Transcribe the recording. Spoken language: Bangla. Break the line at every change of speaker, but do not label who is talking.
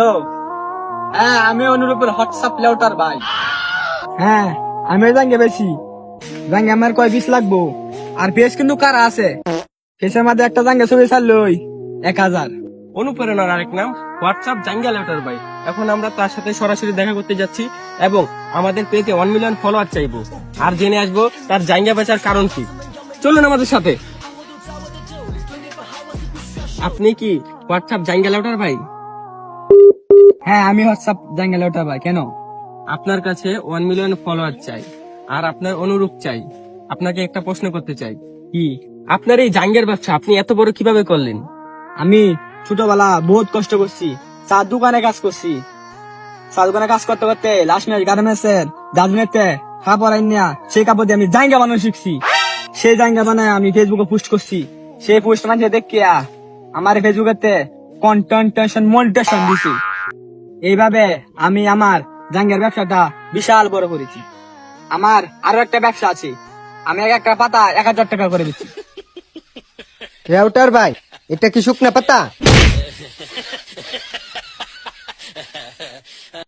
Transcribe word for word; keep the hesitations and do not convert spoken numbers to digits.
হ্যালো, হ্যাঁ আমি অনুরূপের হোয়াটসঅ্যাপ লেউটার ভাই।
হ্যাঁ আমি জাঙ্গে বেশি জাঙ্গে আমার কয় বিশ লাগবো। আর পেজ কিন্তু কারা আছে, পেজের মধ্যে একটা জাঙ্গে ছবি ছাড়লই এক হাজার।
অনুপ্রেরণার আরেক নাম হোয়াটসঅ্যাপ জাঙ্গা লেউটার ভাই। এখন আমরা তার সাথে সরাসরি দেখা করতে যাচ্ছি এবং আমাদের পেজে ওয়ান মিলিয়ন ফলোয়ার চাইবো, আর জেনে আসবো তার জাঙ্গা বেচার কারণ কি। চলুন আমাদের সাথে। আপনি কি হোয়াটসঅ্যাপ জাঙ্গা লেউটার ভাই?
হ্যাঁ আমি হোয়াটসঅ্যাপ জাঙ্গে লেউটার ভাই। কেন?
আপনার কাছে ওয়ান মিলিয়ন ফলোয়ার চাই আর আপনার অনুরূপ চাই। আপনাকে একটা প্রশ্ন করতে চাই, কি আপনার এই জাঙ্গের ব্যবসা আপনি এত বড় কিভাবে করলেন?
আমি ছোটবেলা বহুত কষ্ট করছি, চার দোকানে কাজ করছি। চার দোকানে কাজ করতে করতে লাস্ট মিনিট গার্মেন্টসের জাজমেন্টে কাপড় আইনিয়া সেই কাপড় দিয়ে আমি জাঙ্গা বানানো শিখছি। সেই জাঙ্গা বানায় আমি ফেসবুকে পোস্ট করছি। সেই পোস্ট মানে দেখিয়া আমার ফেসবুকেতে কন্টেন্টেশন মনিটেশন দিছি। এইভাবে আমি আমার জাঙ্গের ব্যবসাটা বিশাল বড় করেছি। আমার আরো একটা ব্যবসা আছে, আমি এক একটা পাতা এক হাজার টাকা করে দিচ্ছি।
রেউটার ভাই, এটা কি শুকনা পাতা?